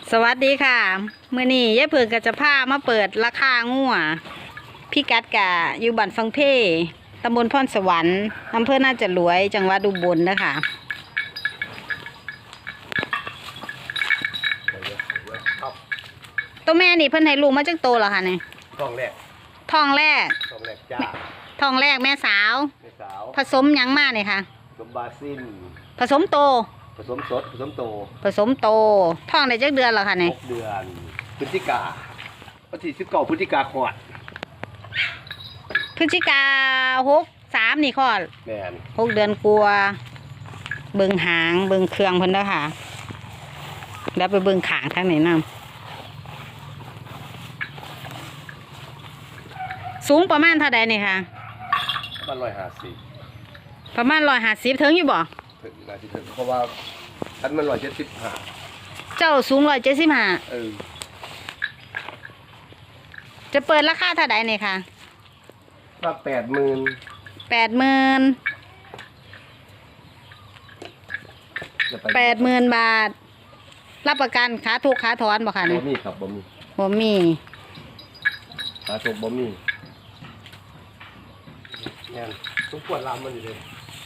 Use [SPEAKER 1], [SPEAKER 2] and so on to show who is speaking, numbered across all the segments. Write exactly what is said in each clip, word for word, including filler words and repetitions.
[SPEAKER 1] สวัสดีค่ะมื้อนี้ยายเพิ่งก็จะพามาเปิดราคางัวพี่กัดกะอยู่บ้านฟังเพตำบลพรสวรรค์อำเภอน่าจะรวยจังหวัดอุบลนะคะตัวแม่นี่เพิ่นให้ลูกมาจักโตแล้วค่ะนี่
[SPEAKER 2] ทองแรก
[SPEAKER 1] ทองแรก
[SPEAKER 2] ทองแรกจ้า
[SPEAKER 1] ทองแรกแม่สาว
[SPEAKER 2] แม่สาว
[SPEAKER 1] ผสมหยังมาเนี่ยค่ะ
[SPEAKER 2] สมบาซิน
[SPEAKER 1] ผสมโต
[SPEAKER 2] ผสมสดผสมโต
[SPEAKER 1] ผสมโตทองได้จักเดือนแล้วค่ะนี่
[SPEAKER 2] หกเดือนพฤศจิกาวันที่สิบเก้าพฤศจิกาขวด
[SPEAKER 1] พฤศจิกาหกสามนี่คลอด
[SPEAKER 2] แม่น
[SPEAKER 1] หกเดือนกลัวเบิ่งหางเบิ่งเครื่องเพิ่นเด้อค่ะแล้วไปเบิ่งขางทางไหนนำสูงประมาณเท่าใดนี่ค่ะ
[SPEAKER 2] บ้านร้อยห้าสิบ
[SPEAKER 1] ประมาณร้อยห้าสิบถึงอยู่บ่
[SPEAKER 2] ถึงนาทีถึงเพราะว่าทันมันร้อยเจ็ดสิบห้า
[SPEAKER 1] เจ้าสูงร้อยเจ็ดสิบห้า
[SPEAKER 2] เออ
[SPEAKER 1] จะเปิดราคาเท่าใดนี่ค่ะ
[SPEAKER 2] ว่าแปดหมื่น
[SPEAKER 1] แปดหมื่นแปดหมื่นบาท รับประกันขาถูกขาถอนบ่ค่ะ
[SPEAKER 2] บ่
[SPEAKER 1] นี่
[SPEAKER 2] มีครับบ่มี
[SPEAKER 1] บ่มี
[SPEAKER 2] หาตกบ่มีแม่นต้องปวดลามมันอยู่เลย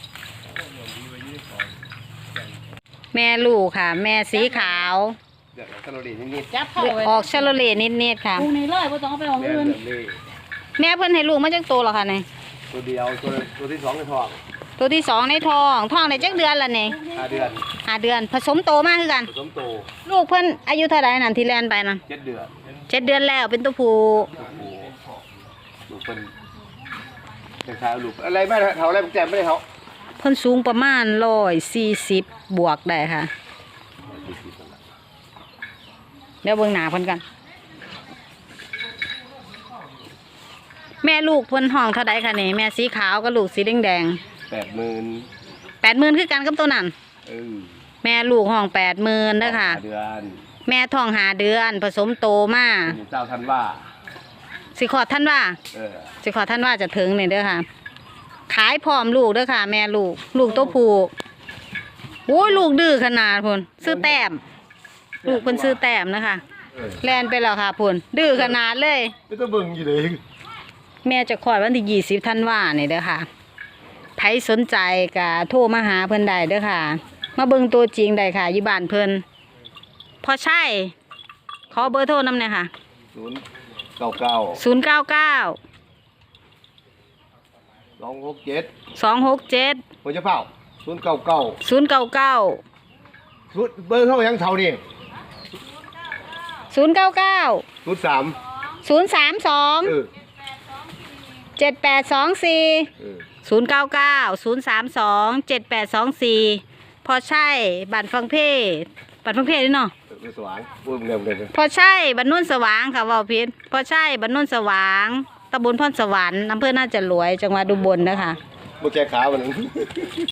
[SPEAKER 1] แม่ลูกค่ะ แม่สีขาว
[SPEAKER 2] เดี๋ยวแคลอรี่นิด
[SPEAKER 3] จับเข้าไป
[SPEAKER 1] ออกชาโลเลนิดๆค่ะ
[SPEAKER 3] ปรุงในเลยไม่ต้องเอาไปของ
[SPEAKER 2] ๆแม่น
[SPEAKER 3] อื่น
[SPEAKER 2] เดือนนี้
[SPEAKER 1] แม่เพิ่นให้ลูกมาจักโตแล้วค่ะนี่
[SPEAKER 2] ตัวเดียวตัวตัวที่สองในท้อง
[SPEAKER 1] ตัวที่สองในท้องท้องได้จักเดือนละนี่
[SPEAKER 2] ห้าเดือน
[SPEAKER 1] ห้าเดือนผสมโตมากคือกัน
[SPEAKER 2] ผสมโต
[SPEAKER 1] ลูกเพิ่นอายุเท่าไหร่นั่นที่แลนไปนั่น
[SPEAKER 2] เจ็ดเดือน
[SPEAKER 1] เจ็ดเดือนแล้วเป็นตัวผู้
[SPEAKER 2] โอ้โหลูกเป็นเป็นชายลูกอะไรไม่เท่าอะไรผมแจมไม่ได้เขา
[SPEAKER 1] เพิ่นสูงประมาณร้อยสี่สิบบวกได้ค่ะเดี๋ยวเบิ่งหน้าเพิ่นกันแม่ลูกเพิ่นห้องเท่าใดคะนี่แม่สีขาวกับลูกสีแดง
[SPEAKER 2] แปดหมื่น
[SPEAKER 1] ๆแปดหมื่นคือกันกับตัวนั้น
[SPEAKER 2] เออ
[SPEAKER 1] แม่ลูกห้องแปดหมื่นเด้อค่ะ
[SPEAKER 2] เดือน
[SPEAKER 1] แม่ท้องหาเดือน ผสมโตมา
[SPEAKER 2] มีเจ้าท่านว่า
[SPEAKER 1] สิขอดท่านว่า
[SPEAKER 2] เออ
[SPEAKER 1] สิขอท่านว่าจะถึงนี่เด้อค่ะ ขายพร้อมลูกเด้อค่ะ แม่ลูก ลูกตัวผู้โอ้ยลูกดื้อขนาดพุ่นซื้อแต้ม ลูกเพิ่นซื้อแต้มนะคะ
[SPEAKER 2] เออ
[SPEAKER 1] แล่นไปแล้วค่ะพุ่นดื้อขนาดเลย
[SPEAKER 2] ไม่ต้องเบิ่งอยู่เลย
[SPEAKER 1] แม่จะคลอดวันที่ยี่สิบธันวาเนี่ยเด้อค่ะใครสนใจก็โทรมาหาเพิ่นได้เด้อค่ะ มาเบิ่งตัวจริงได้ค่ะอยู่บ้านเพิ่นพอใช่ขอเบอร์โทรนำหน่อยค่ะ
[SPEAKER 2] ศูนย์เก้าเก้า
[SPEAKER 1] ศูนย์เก้าเก้า
[SPEAKER 2] สองหกเจ็ด
[SPEAKER 1] สองหกเจ็ด
[SPEAKER 2] หัวจะเผาศูนย์เก้าเก้า
[SPEAKER 1] ศูนย์เก้าเก้า
[SPEAKER 2] ศูนย์เบอร์เท่ายังเท่านี่
[SPEAKER 1] ศูนย์เก้าเก้า
[SPEAKER 2] ศูนย์สาม
[SPEAKER 1] ศูนย์สามสอง
[SPEAKER 2] เออ
[SPEAKER 1] เจ็ดแปดสองสี่
[SPEAKER 2] เออ
[SPEAKER 1] ศูนย์เก้าเก้าศูนย์สามสองเจ็ดแปดสองสี่พอใช่บัตรฟังเพบัตรฟังเพด้วยเนาะ
[SPEAKER 2] เออสว่างพูดเร็วเลย
[SPEAKER 1] พอใช่บัตรนุ่นสว่างค่ะว่าพิษพอใช่บัตรนุ่นสว่างตำบลพรสวรรค์อำเภอน่าจะรวยจังหวัดอุบลนะคะ
[SPEAKER 2] โมแกขาวันนึง